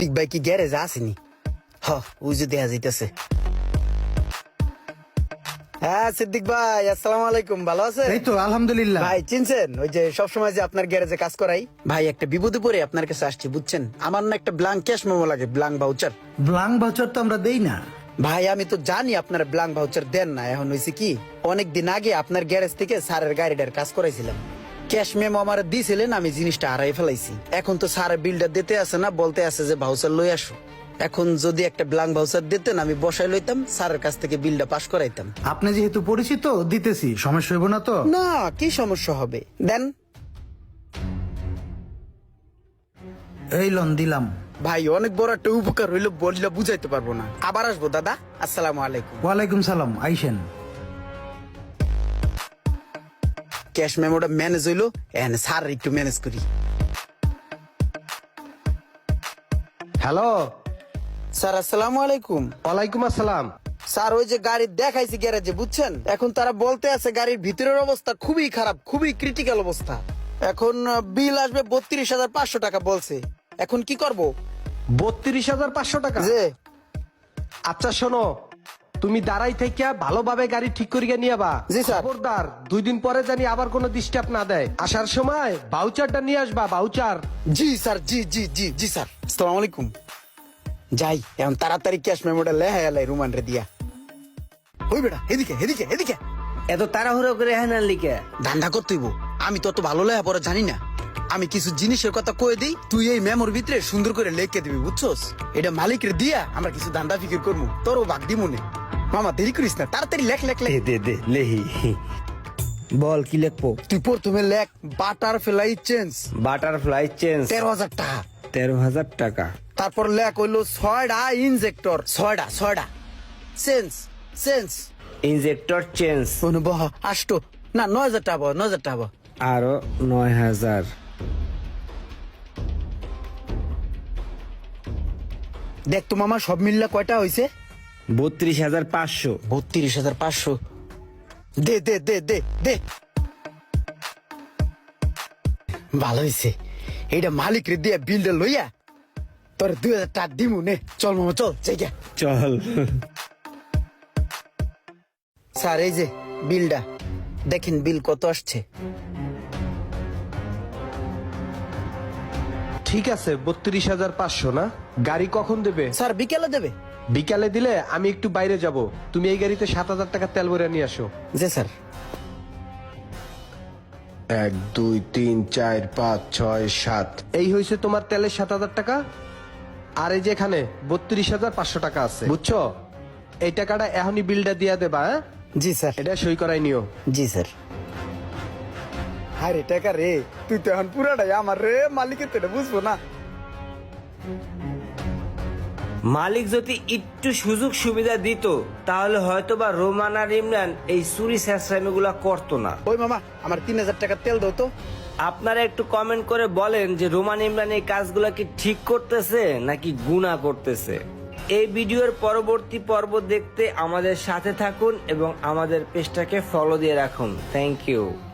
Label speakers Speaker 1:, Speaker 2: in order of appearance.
Speaker 1: সিদ্দিক ভাই কি গ্যারেজ আসেনি? ওই যে দেখা যাইতেছে। হ্যাঁ সিদ্দিক ভাই, আসসালামু আলাইকুম, ভালো আছেন?
Speaker 2: এই তো আলহামদুলিল্লাহ।
Speaker 1: ভাই চিনছেন ওই যে সবসময় যে আপনার গ্যারেজে কাজ করাই? ভাই একটা বিপদে পড়ে আপনার কাছে আসছি, বুঝছেন? আমার না একটা ব্লাঙ্ক ক্যাশ মেমো লাগে, ব্লাঙ্ক ভাউচার।
Speaker 2: ব্লাঙ্ক ভাউচার তো আমরা দেই না।
Speaker 1: ভাই আমি তো জানি আপনার ব্লাঙ্ক ভাউচার দেন না। এখন হয়েছে কি, অনেকদিন আগে আপনার গ্যারেজ থেকে স্যারের গাড়িটার কাজ করাইছিলাম। ক্যাশ মেমো আমার দিয়েছিলেন, আমি জিনিসটা হারাই ফেলাইছি। এখন তো স্যারের বিলটা দিতে আসে না, বলতে আছে যে ভাউচার লই আসো। এখন যদি একটা ব্লাঙ্ক ভাউচার দিতেন আমি বসাই লইতাম, স্যারের কাছ থেকে বিলটা পাস করাইতাম।
Speaker 2: আপনি যেহেতু পরিচিত দিতেছি, সমস্যা হইব না তো?
Speaker 1: না, কি সমস্যা হবে, দেন।
Speaker 2: এই লোন দিলাম।
Speaker 1: ভাই অনেক বড় একটা উপকার হইলো, বললে বুঝাইতে পারবো না। আবার আসবো দাদা, আসসালামু আলাইকুম।
Speaker 2: ওয়ালাইকুম সালাম, আইসেন।
Speaker 1: ক্যাশ মেমোটা ম্যানেজ হইলো, এখানে স্যার একটু ম্যানেজ করি।
Speaker 3: হ্যালো,
Speaker 1: স্যার আসসালামু আলাইকুম।
Speaker 3: ওয়ালাইকুম আসসালাম।
Speaker 1: স্যার ওই যে গাড়ি দেখাইছি গ্যারেজে, বুঝছেন? এখন তারা বলতে আছে গাড়ির ভিতরের অবস্থা খুবই খারাপ, খুবই ক্রিটিক্যাল অবস্থা। এখন বিল আসবে 32,500 টাকা বলছে। এখন কি করব?
Speaker 3: 32,500 টাকা?
Speaker 1: যে
Speaker 3: আচ্ছা শোনো, তুমি দাঁড়াই থেকে ভালোভাবে গাড়ি ঠিক করিয়া নিয়ে বা।
Speaker 1: জি, স্যার।
Speaker 3: খবরদার 2 দিন পরে জানি আবার কোনো ডিস্টার্ব না দেয়। আসার সময় ভাউচারটা নিয়ে আসবা, ভাউচার।
Speaker 1: জি স্যার, জি জি জি জি স্যার, আসসালামু আলাইকুম। যাই এখন তাড়াতাড়ি ক্যাশ মেমোটা লেহাই আলাই রুমান রে দিয়া। ওই বেটা এদিকে এদিকে এদিকে,
Speaker 4: এত তাড়াহুড়ো করে হ্যাঁ লিখে
Speaker 1: ধান্দা করতে হইব। আমি তো অত ভালো লেহা পরে জানি না। আমি কিছু জিনিসের কথা কয়ে দিই, তুই এই মেমোর ভিতরে সুন্দর করে লেখকে দিবি, বুঝছস? এটা মালিকের দিয়া আমরা কিছু ধান্দা ফিকির করবো, তোরও ভাগ দি মনে। মামা দেরি করিস না, তাড়াতাড়ি লেখ লেখ লেখ।
Speaker 4: দে লেহি বল কি লিখবো?
Speaker 1: তুই প্রথমে লেখ বাটারফ্লাই চেঞ্জ,
Speaker 4: বাটারফ্লাই চেঞ্জ
Speaker 1: 13,000 টাকা।
Speaker 4: 13,000 টাকা।
Speaker 1: তারপর লেখ হইলো 6টা ইনজেক্টর, 6টা চেঞ্জ চেঞ্জ।
Speaker 4: ইনজেক্টর চেঞ্জ
Speaker 1: বহ আষ্ট না 9,000 টাকা, 9,000 টাকা।
Speaker 4: আরো 9,000।
Speaker 1: দেখ তো মামা সব মিললে কয়টা হয়েছে?
Speaker 4: 32,500।
Speaker 1: 32,500। দে দে দে দে দে। ভালো হয়েছে, এইটা মালিক রে দিয়া বিলটা লইয়া তোর 2,000 টাকা দিমু নে। চল মামা চল, জায়গা
Speaker 4: চল।
Speaker 1: স্যার এই যে বিলটা দেখেন, বিল কত আসছে।
Speaker 3: ঠিক আছে, 32,500 না? গাড়ি কখন দেবে?
Speaker 1: স্যার বিকেলে দেবে।
Speaker 3: বিকালে দিলে আমি একটু বাইরে যাব, তুমি এই গাড়িতে 7,000 টাকা তেল ভরে নিয়ে আসো।
Speaker 1: জি স্যার।
Speaker 3: 1 2 3 4 5 6 7, এই হয়েছে তোমার তেলের 7,000 টাকা। আর এই যে এখানে 32,500 টাকা আছে, বুঝছো? এই টাকাটা এখনই বিলটা দিয়া দেবা। হ্যাঁ,
Speaker 1: জি স্যার।
Speaker 3: এটা সই করাই নিও।
Speaker 1: জি স্যার। আরে টাকা রে, তুই তো এখন পুরাটাই আমার রে, মালিকের তো এটা বুঝবো না।
Speaker 4: মালিক যদি একটু সুযোগ সুবিধা দিত তাহলে হয়তোবা রোমান আর ইমরান এই চুরি স্যাসরামি গুলা করতো না।
Speaker 1: ওই মামা আমার 3,000 টাকা তেল দাও তো।
Speaker 4: আপনারা একটু কমেন্ট করে বলেন যে রোমান ইমরান এই কাজগুলা কি ঠিক করতেছে নাকি গুনাহ করতেছে। এই ভিডিওর পরবর্তী পর্ব দেখতে আমাদের সাথে থাকুন এবং আমাদের পেজটাকে ফলো দিয়ে রাখুন। Thank you.